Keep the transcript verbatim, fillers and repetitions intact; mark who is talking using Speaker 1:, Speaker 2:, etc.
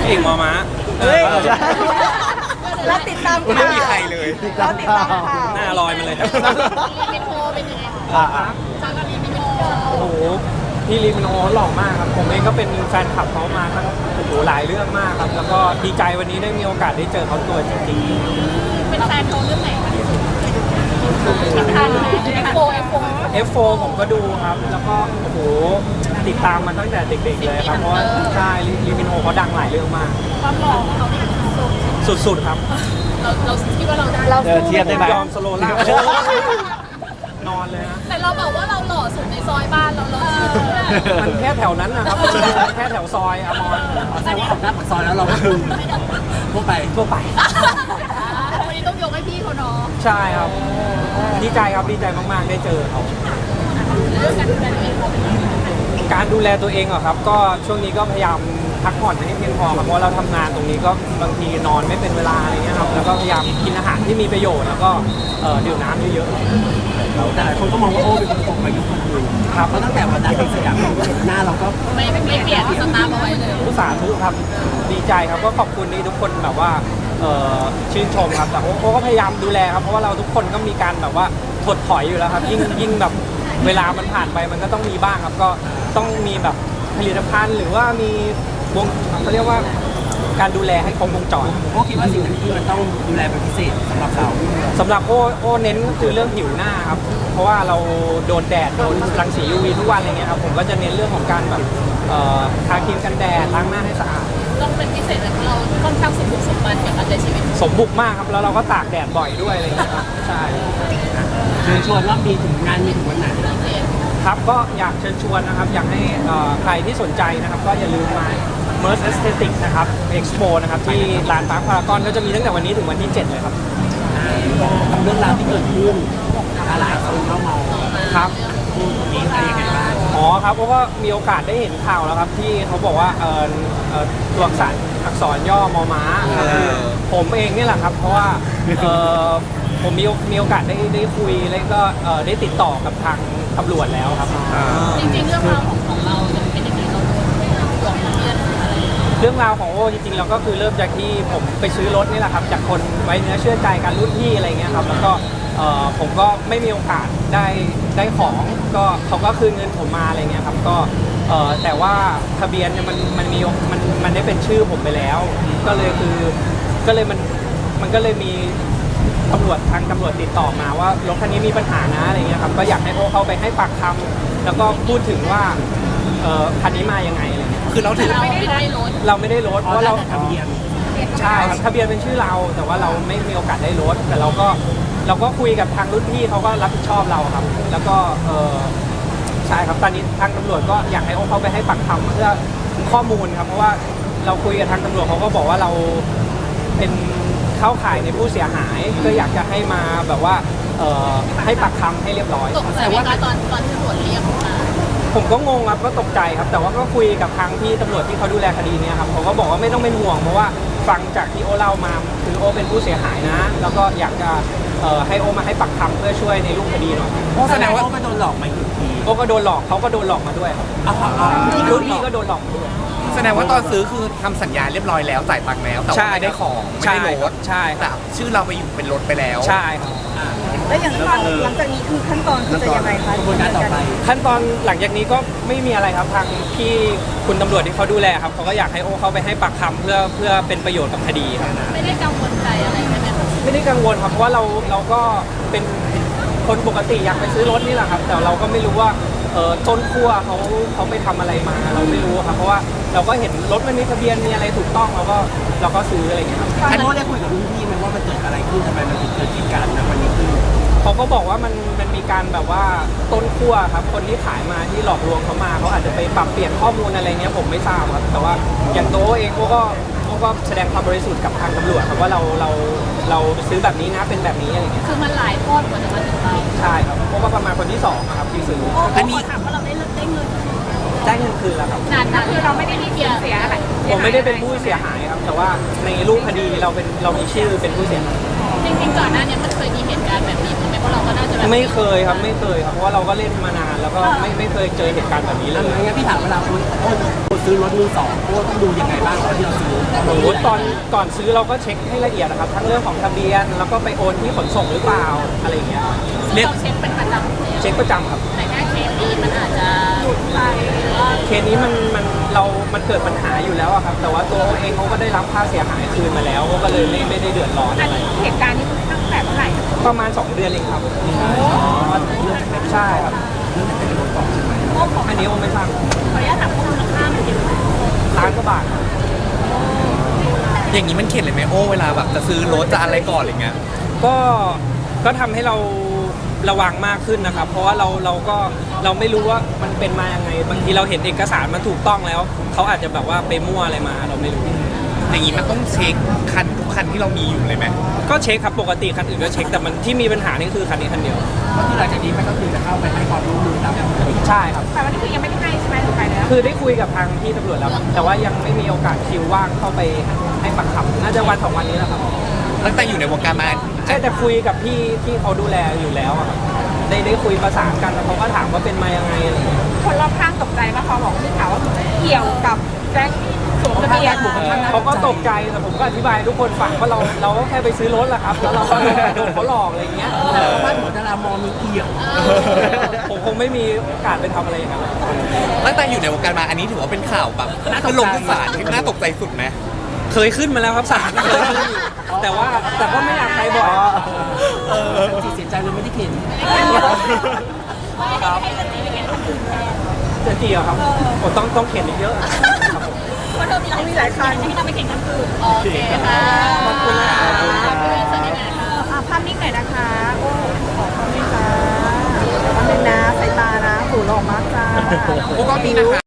Speaker 1: เก่งมอม้า
Speaker 2: เฮ้ย
Speaker 3: แล้วติดตามข่าว
Speaker 1: ไม่มีใครเลย
Speaker 3: แล้วติดตามข่าว
Speaker 1: หน้าลอยมาเลย
Speaker 4: ลีมินโฮเป็นยังไงคะจางกับลีมินโฮ
Speaker 1: โอ้โหพี่ลีมินโฮหล่อมากครับผมเองก็เป็นแฟนคลับเขามาตั้งโอ้โหหลายเรื่องมากครับแล้วก็ดีใจวันนี้ได้มีโอกาสได้เจอเขาตัวจริง
Speaker 4: เป็นแฟนเขาเรื่องไหนคะที่สุดติดตามไหมเอฟโฟเอฟโฟ
Speaker 1: ๆ เอฟ โฟร์ ผมก็ดูครับแล้วก็โอ้โหติดตามมาตั้งแต่เด็กๆเลยครับเพราะว่าใช่ลีมินโฮเขาดังหลายเรื่องมาก
Speaker 4: ความหล่อของเขานี่สุด
Speaker 1: สุดๆครับ
Speaker 4: เราเราคิดว่าเราได้
Speaker 3: เรา
Speaker 2: เออเทียบได้ไหม
Speaker 1: ยอมสโลล่า นอนเลยนะ
Speaker 4: แต่เราบอกว่าเราหล่อสุดในซอยบ้านเราเราเชื่อ
Speaker 1: มันแค่แถวนั้นนะครับแค่แถวซอยอมร
Speaker 2: แสดงว่าออกหน้าปากซอยแล้วเราก็คือทั่วไป
Speaker 1: ทั่วไป
Speaker 4: วันนี้ต้องยกให้พี่เขาเนาะ
Speaker 1: ใช่ครับ ดีใจครับ ดีใจมาก ๆ ได้เจอเขา
Speaker 4: เรื่องการดูแลตัวเองเราเป็นยังไง
Speaker 1: การดูแลตัวเองเหรอครับ ก็ช่วงนี้ก็พยายามพักผ่อนให้เพียงพอครับเพราะเราทำงานตรงนี้ก็บางทีนอนไม่เป็นเวลาอะไรเงี้ยครับ แล้วก็พยายามกินอาหารที่มีประโยชน์ แล้วก็เอ่อดื่มน้ำเยอะๆ
Speaker 2: แต่หลายคนก็มองว่าโอ้เป็นคนตกไปยุคคนอื่นครับเพราะตั้งแต่วันนั้นที่สยามหน้าเราก็
Speaker 4: ไม่ไม่ไม่เปลี่ยนสตาร์ทเอาไว้เลย
Speaker 1: ผู้สาธุครับดีใจครับก็ขอบคุณที่ทุกคนแบบว่าเอ่อชื่นชมครับแต่โอ้ก็พยายามดูแลครับเพราะว่าเราทุกคนก็มีการแบบว่าถดถอยอยู่แล้วครับยิ่งยิ่งแบบเวลามันผ่านไปมันก็ต้องมีบ้างครับก็ต้องมีแบบผลิตภัณฑ์หรือว่ามีวงเขาเรียกว่าการดูแลให้ครบวงจร
Speaker 2: โอ้คิดว่าสิ่งที่มันต้องดูแลเป็นพิเศษสำหรับเรา
Speaker 1: สำหรับโอ้โอ้เน้นก็คือเรื่องผิวหน้าครับเพราะว่าเราโดนแดดโดนรังสี ยู วี ทุกวันอะไรเงี้ยครับผมก็จะเน้นเรื่องของการแบบเอ่อทาครีมกันแดดล้างหน้าให้สะอาด
Speaker 4: ต้องเป็นพิเศษแบบเราค่อนข้างสมบุกสมบันกับการใช้ชีวิต
Speaker 1: สมบุกมากครับแล้วเราก็ตากแดดบ่อยด้วยอะไรอย่างเงี้ยครับใช่
Speaker 2: เชิญชวนรอบดีถึงงานมีถึงวันไหน
Speaker 1: ครับก็อยากเชิญชวนนะครับอยากให้เอ่อใครที่สนใจนะครับก็อย่าลืมมา Merce Aesthetics นะครับ Expo นะครับที่ลานพาร์คพารากอนก็จะมีตั้งแต่วันนี้ถึงวันที่เจ็ดเลยครับ
Speaker 2: กับเรื่องราวที่เกิดขึ้นหลายคนเข้ามา
Speaker 1: ครับ
Speaker 2: พูดนี้อะไรยังไงบ้าง
Speaker 1: อ๋อครับเพราะว่ามีโอกาสได้เห็นข่าวแล้วครับที่เขาบอกว่าเอ่อเอ่อตัวอักษรอักษรย่อมอม้าก็คือผมเองเนี่ยแหละครับเพราะว่าเอ่อผมมีมีโอกาสได้ได้คุยแล้วก็เอ่อได้ติดต่อกับทางตำรวจแล้วครับ
Speaker 4: จริงๆเรื่องราวของของเราเนี่ยเป็นยังไงเราหลงเรียนอะไร
Speaker 1: เรื่องราวของโอ้จริงๆเราก็คือเริ่มจากที่ผมไปซื้อรถนี่แหละครับจากคนไว้เนื้อเชื่อใจกันรุ่นพี่อะไรเงี้ยครับแล้วก็เอ่อผมก็ไม่มีโอกาสได้ได้ของก็เขาก็คืนเงินผมมาอะไรเงี้ยครับก็เอ่อแต่ว่าทะเบียนเนี่ยมันมันมีมันมันได้เป็นชื่อผมไปแล้ว ก็เลยคือก็เลยมันมันก็เลยมีตำรวจทางตำรวจติดต่อมาว่ารถคันนี้มีปัญหานะอะไรเงี้ยครับก็อยากให้โอ้เข้าไปให้ปากคำแล้วก็พูดถึงว่าเอ่อคันนี้มายังไงอะไรเงี้ยคือเราถือ
Speaker 4: เราไม่ได้รถ
Speaker 1: เราไม่ได้ลดเพ
Speaker 2: เพราะ
Speaker 1: ราะ
Speaker 2: เรา
Speaker 1: เรา
Speaker 2: ทะเบียน
Speaker 1: ใช่ครับทะเบียนเป็นชื่อเรา แต่ว่าเราไม่มีโอกาสได้ลดแต่เราก็เราก็คุยกับทางรุ่นพี่เขาก็รับผิดชอบเราครับ แล้วก็เออใช่ครับตอนนี้ทางตำรวจก็อยากให้โอ้เขาไปให้ปากคำเพื่อข้อมูลครับเพราะว่าเราคุยกับทางตำรวจเขาก็บอกว่าเราเป็นเข้าข่ายในผู้เสียหาย ก็อยากจะให้มาแบบว่าเออให้ปากคำให้เรียบร้อย
Speaker 4: ตกใจว่าตอนตอนที่ตำรวจเรียกมา
Speaker 1: ผมก็งงครับก็ตกใจครับ แต่ว่าก็คุยกับทางที่ตำรวจที่เขาดูแลคดีเนี้ครับเขาก็บอกว่าไม่ต้องเป็นห่วงเพราะว่าฟังจากที่โอเล่ามาคือโอเป็นผู้เสียหายนะ แล้วก็อยากจะเอ่อให้โอมาให้ปักคำเพื่อช่วยในรูปคดีหน่อย
Speaker 2: แสดงว่าก็โดนหลอกมาอีกที
Speaker 1: โอก็โดนหลอกเขาก็โดนหลอกมาด้วยครับ
Speaker 2: อ้าวอ้าว
Speaker 1: รุ่นพี่ก็โดนหลอกมาด้วย
Speaker 5: แสดงว่าตอนซื้อคือทำสัญญาเรียบร้อยแล้วจ่ายตังค์แล้วแต่
Speaker 1: ใช่
Speaker 5: ว่าไม่ได้ของไม่
Speaker 1: ใช่
Speaker 5: ได้รถ
Speaker 1: ใช่ค
Speaker 5: แต่
Speaker 1: รับ
Speaker 5: ชื่อเราไปอยู่เป็นรถไปแล้ว
Speaker 1: ใช่ครับ
Speaker 3: แล้วอย่างตอนหลังจากนี้คือขั้นตอนคือจะยังไงคะ
Speaker 2: กระบวนการต่อไป
Speaker 1: ขั้นตอนหลังจากนี้ก็ไม่มีอะไรครับทางที่คุณตำรวจที่เขาดูแลครับเขาก็อยากให้โอเขาไปให้ปากคำเพื่อเพื่อเป็นประโยชน์กับคดีครับ
Speaker 4: ไม่ได้กังวลใจอะไรใช่ไหมคะ
Speaker 1: ไม่ได้กังวลครับเพราะว่าเราเราก็เป็นคนปกติอยากไปซื้อรถนี่แหละครับ แต่เราก็ไม่รู้ว่าเออต้นขั้วเขาเขาไปทำอะไรมาเราไม่รู้ครับเพราะว่าเราก็เห็นรถมันมีทะเบียนมีอะไรถูกต้องเราก็เราก็ซื้ออะไรอย่างเงี้ยครับ
Speaker 2: ท่านโน้ได้คุยกับรุ่นพี่ไหมว่ามันเกิดอะไรขึ้นทำไมมันถึงเกิดเหตุการณ์ในวันนี้ขึ้น
Speaker 1: เขาก็บอกว่ามันมันมีการแบบว่าต้นขั้วครับคนที่ขายมาที่หลอกลวงเขามาเขาอาจจะไปปรับเปลี่ยนข้อมูลอะไรเงี้ยผมไม่ทราบครับแต่ว่าอย่างโตเองเขาก็เขาก็แสดงความบริสุทธิ์กับทางตำรวจครับว่าเราเราเราซื้อแบบนี้นะเป็นแบบนี้อะไรเงี้ย
Speaker 4: คือมันหลายทอดกว่าจะมาถึงเรา
Speaker 1: ใช่ครับเพราะว่าประมาณคนที่สองอะครับที่ซื้อ
Speaker 4: อันนี้ถามว่าเราได้ได้เงิน
Speaker 1: ได้เงินคืนแล้วครับ
Speaker 4: นานนานคือเราไม่ได้มีเพียเสียอะไร
Speaker 1: ผมไม่ได้เป็นผู้เสียหายครับ แต่ว่าในรูปคดีเราเป็นเรามีชื่อเป็นผู้เสียหาย
Speaker 4: จริงๆก่อนหน้านี้มันเคยมีเหตุการณ์แบบนี้ไหมเพราะเราก็น่าจะแบบ
Speaker 1: ไม่เคยครับไม่เคยครับเพราะว่าเราก็เล่นมานานแล้วก็ไม่ไม่เคยเจอเหตุการณ์แบบนี้เลย
Speaker 2: งั้นพี่ถามเวลาคุณโอ้โหซื้อรถมือสองโอ้ต้องดูยังไงบ้างตอนที่เราซื้อ
Speaker 1: โอ้โหตอนก่อนซื้อเราก็เช็คให้ละเอียดนะครับทั้งเรื่องของทะเบียนแล้วก็ไปโอนที่ขนส่งหรือเปล่าอะไรอย่างเงี้ย
Speaker 4: เรียกเช็คเป็นประจำเลย
Speaker 1: เช็คประจำครับ
Speaker 4: แต่แค่เคสนี้มันอาจจะหยุดไปหรือว่า
Speaker 1: เคสนี้มันมันเรา มันเกิดปัญหาอยู่แล้วอะครับ แต่ว่าตัวเขาเองเขาก็ได้รับค่าเสียหายคืนมาแล้วเขาก็เลยไม่ไม่ได้เดือดร้อน
Speaker 4: อั
Speaker 1: อะ
Speaker 4: น
Speaker 1: ไร
Speaker 4: นี้เหตุการณ์นี้ตั้งแต่เมื่อไหร่
Speaker 1: ประมาณสองเดือนเองครับใช่ครับ
Speaker 4: โอ้ของ
Speaker 1: อันนี้ผมไม่ทราบ
Speaker 4: ขออนุญาตถามมูลค่ามันเยอะ
Speaker 1: ล้านกว่าบาทครับ
Speaker 5: อย่างนี้มันเข็ดเลยไหมโอ้เวลาแบบจะซื้อรถจะอะไรก่อนอะไรเงี้ย
Speaker 1: ก็ก็ทำให้เราระวังมากขึ้นนะครับ เพราะว่าเราเราก็เราไม่รู้ว่ามันเป็นมายังไง บางทีเราเห็นเอกสารมันถูกต้องแล้วเขาอาจจะแบบว่าไปมั่วอะไรมาเราไม่รู้
Speaker 5: อย่างนี้มันต้องเช็คคันทุกคันที่เรามีอยู่เลยไหม
Speaker 1: ก็เช็คครับปกติคันอื่นก็เช็คแต่มันที่มีปัญหานี่คือคันนี้คันเดียว
Speaker 2: ก็คือหลังจากนี้มันก็คือจะเข้าไปให้ความรู้มือตามปกติ
Speaker 1: ใช่ครับ
Speaker 4: แต่วันนี้คือยังไม่ได้ให้ใช่ไหมหรือไปแล้ว
Speaker 1: คือได้คุยกับทางที่ตำรวจแล้วครับแต่ว่ายังไม่มีโอกาสคิวว่างเข้าไปให้ปากคำน่าจะวันสองวันนี้แหละครับ
Speaker 5: ตั้งแต่อยู่ในวงการมา
Speaker 1: ใช่แต่คุยกับพี่ที่เขาดูแลอยู่แล้วอะครับได้ได้คุยประสานกันแล้วเขาก็ถามว่าเป็นมายังไงอะไรอย่างเงี้ย
Speaker 4: คนรอบข้างตกใจว่าเขาบอกที่ข่าวว่าเกี่ยวกับแจ็คที่สวมทะเบียน
Speaker 1: เขาก็ตกใจแต่ผมก็อธิบายให้ทุกคนฟังว่าเราเราก็แค่ไปซื้อรถแหละครับแล้วเราก็โดนเขาหลอกอะไรอย่างเงี้ย
Speaker 2: แต่ว่าบ้านหัวดารามองมีเกี่ยว
Speaker 1: ผมคงไม่มีโอกาสไปทำอะไรอย่างนั้นหรอก
Speaker 5: ตั้งแต่อยู่ในวงการมาอันนี้ถือว่าเป็นข่าวแบบคือลงทุกศาลที่น่าตกใจสุดไหม
Speaker 1: เคยขึ้นมาแล้วครับศาลเคยขึ้นอยู่แต่ว่าแต่ก็ไม่อยากไปบ่อย
Speaker 2: เออจีเสียใจเลยไม่ได้เข็น
Speaker 1: ครับ
Speaker 4: ให้สติไปเห็นคนอื่นแทน
Speaker 1: จะจีเหรอครับผมต้องต้องเขียนอีกเยอะครับผม
Speaker 4: เพราะเธอมีหลายคันให้เราไปเห็นคนอื่นโอเคค่ะ
Speaker 1: ขอบคุณนะคะ
Speaker 3: อ่ะภาพนิ่งหน่อยนะคะโอ้ขอภาพนิ่งจ้าภาพนิ่งนะสายตานะหูหล่อมากจ้า
Speaker 5: โอ้ก็มีนะคะ